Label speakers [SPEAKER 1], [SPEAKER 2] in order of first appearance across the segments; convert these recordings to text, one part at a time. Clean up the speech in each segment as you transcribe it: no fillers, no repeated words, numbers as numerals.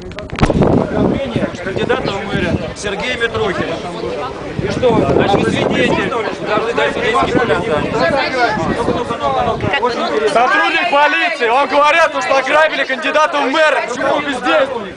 [SPEAKER 1] Ограбление кандидата в мэры Сергея Митрохина. И что, значит, свидетель должны дать свидетельские показания.
[SPEAKER 2] Сотрудник полиции, вам говорят, что ограбили кандидата в мэры. Почему вы бездействуете?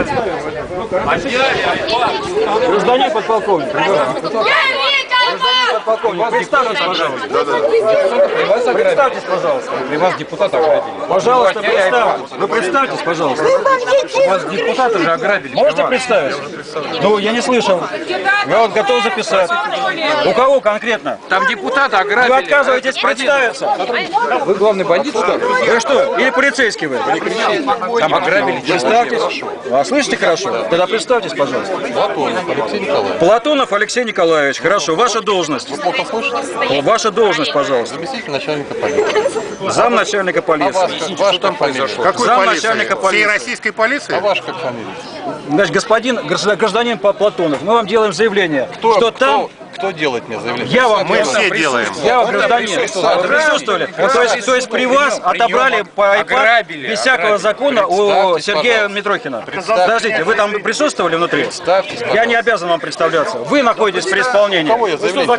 [SPEAKER 1] Гражданин подполковник. Подполковник, представьтесь, пожалуйста. Представьтесь, пожалуйста.
[SPEAKER 3] При вас депутата ограбили.
[SPEAKER 1] Пожалуйста, представьтесь. Вы представьтесь, пожалуйста.
[SPEAKER 3] Вас депутата же ограбили.
[SPEAKER 1] Можете представить? Ну, я не слышал. Я вот готов записать. У кого конкретно?
[SPEAKER 3] Там депутата ограбили.
[SPEAKER 1] Вы отказываетесь представиться?
[SPEAKER 3] Вы главный бандит, что ли?
[SPEAKER 1] Вы что? Или полицейский вы?
[SPEAKER 3] Там ограбили.
[SPEAKER 1] Представьтесь. А слышите хорошо? Тогда представьтесь, пожалуйста.
[SPEAKER 3] Платонов Алексей Николаевич.
[SPEAKER 1] Платонов Алексей Николаевич. Хорошо. Ваша должность.
[SPEAKER 3] Плохо слышите?
[SPEAKER 1] Ваша должность, пожалуйста.
[SPEAKER 3] Заместитель начальника полиции.
[SPEAKER 1] Зам начальника полиции.
[SPEAKER 3] Ваш там произошел?
[SPEAKER 4] Какой
[SPEAKER 1] Зам
[SPEAKER 4] полиции?
[SPEAKER 1] начальника
[SPEAKER 4] Всей
[SPEAKER 1] полиции.
[SPEAKER 4] российской полиции?
[SPEAKER 3] А ваш как фамилия?
[SPEAKER 1] Значит, гражданин Платонов, мы вам делаем заявление, что там...
[SPEAKER 3] Кто делает мне заявление?
[SPEAKER 1] Я вам
[SPEAKER 4] Мы все делаем.
[SPEAKER 1] Я вам гражданин. Присутствовали. То есть при вас отобрали по iPad без всякого закона у Сергея Митрохина. Подождите, вы там присутствовали внутри? Я не обязан вам представляться. Вы находитесь при исполнении.
[SPEAKER 3] Кого я заявление?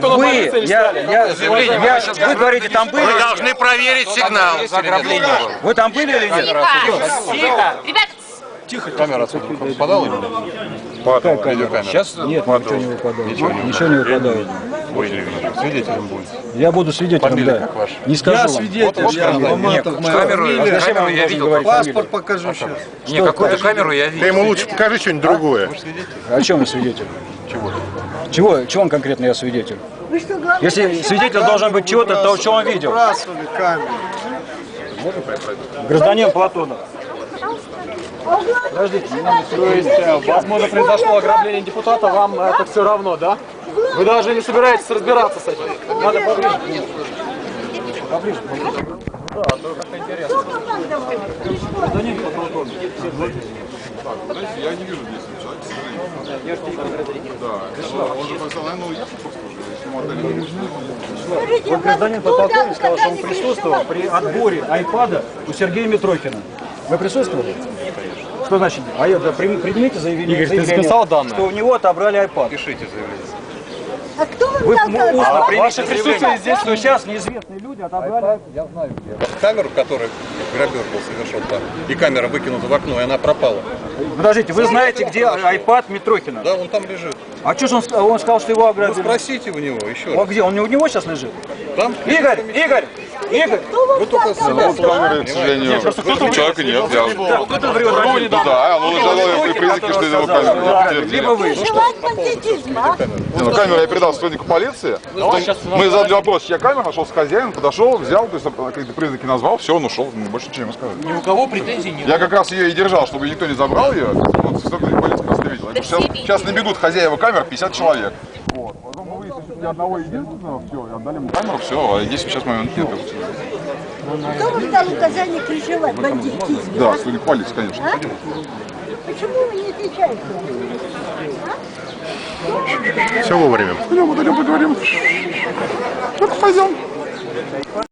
[SPEAKER 1] Вы говорите, там были?
[SPEAKER 4] Вы должны проверить сигнал.
[SPEAKER 1] Вы там были или нет?
[SPEAKER 5] Тихо.
[SPEAKER 3] Камера отсюда выпадала или нет? Видеокамера.
[SPEAKER 1] Сейчас нет, ничего не выпадает. Ничего не выпадает.
[SPEAKER 3] Вы свидетелем будете.
[SPEAKER 1] Я буду свидетелем,
[SPEAKER 3] Фамилия
[SPEAKER 1] да.
[SPEAKER 3] как ваша?
[SPEAKER 1] Не скажу
[SPEAKER 5] Я
[SPEAKER 1] вам.
[SPEAKER 5] свидетель,
[SPEAKER 3] Вот
[SPEAKER 5] я Маматов, моя фамилия.
[SPEAKER 1] Зачем я вам должен говорить
[SPEAKER 5] Паспорт
[SPEAKER 1] фамилию?
[SPEAKER 5] покажу сейчас.
[SPEAKER 3] Не, какую-то камеру я
[SPEAKER 4] Ты
[SPEAKER 3] видел.
[SPEAKER 4] ему лучше покажи что-нибудь другое.
[SPEAKER 3] Вы же свидетель?
[SPEAKER 1] О чем вы свидетель?
[SPEAKER 3] Чего?
[SPEAKER 1] Чего конкретно я свидетель? Если свидетель должен быть чего-то, то что он видел?
[SPEAKER 5] Выбрасывали камеру.
[SPEAKER 1] Гражданин Платонов. Подождите,
[SPEAKER 2] То есть, возможно, произошло ограбление депутата, вам это все равно, да? Вы даже не собираетесь разбираться с этим?
[SPEAKER 1] надо поближе. Поближе. Гражданин подполковник.
[SPEAKER 6] Я не вижу здесь человека. Да, он же сказал, наверное, уехал просто уже. Если ему отдали
[SPEAKER 1] Вот гражданин подполковник сказал, что он присутствовал при отборе айпада у Сергея Митрохина. Вы присутствовали? Что значит? А я предмете заявление,
[SPEAKER 2] Игорь, ты записал данные?
[SPEAKER 1] что у него отобрали айпад.
[SPEAKER 3] Пишите заявление.
[SPEAKER 7] А кто вам
[SPEAKER 1] Вы
[SPEAKER 7] дал
[SPEAKER 1] устно примите
[SPEAKER 2] ваше присутствие
[SPEAKER 1] заявление,
[SPEAKER 2] здесь,
[SPEAKER 1] что сейчас неизвестные люди отобрали.
[SPEAKER 3] Я знаю где. Камеру, в которой грабеж был совершен там, и камера выкинута в окно, и она пропала.
[SPEAKER 1] Подождите, вы знаете, где айпад Митрохина?
[SPEAKER 3] Да, он там лежит.
[SPEAKER 1] А что же он сказал, что его
[SPEAKER 3] Ну,
[SPEAKER 1] ограбили?
[SPEAKER 3] спросите у него еще
[SPEAKER 1] А
[SPEAKER 3] раз.
[SPEAKER 1] где? Он у него сейчас лежит?
[SPEAKER 3] Там
[SPEAKER 1] Игорь!
[SPEAKER 3] вы только себя
[SPEAKER 6] камеры, к сожалению, человека нет.
[SPEAKER 1] Кто-то врет.
[SPEAKER 6] Да, он уже признаки, что это его камера.
[SPEAKER 1] Либо вы.
[SPEAKER 7] Желать бандитизма.
[SPEAKER 6] Ну, камеру я передал сотруднику полиции. Мы задали вопрос, чья камера, нашел с хозяином, подошел, взял, то есть какие-то признаки назвал, все, он ушел, больше ничего не сказал.
[SPEAKER 2] Ни у кого претензий нет.
[SPEAKER 6] Я как раз ее и держал, чтобы никто не забрал ее. Вот сотрудник полиции просто видел. Сейчас набегут хозяева камер 50 человек. Вот. Потом мы выяснили, что ни одного единственного, все, и отдали ему камеру, все, а здесь сейчас момент нет.
[SPEAKER 7] Кто вам дал указание крышевать бандитизм?
[SPEAKER 6] Да, сотрудник полиции, конечно.
[SPEAKER 7] А? Почему вы не отвечаете?
[SPEAKER 4] Все вовремя.
[SPEAKER 6] Пойдем, поговорим. Ну-ка, пойдем.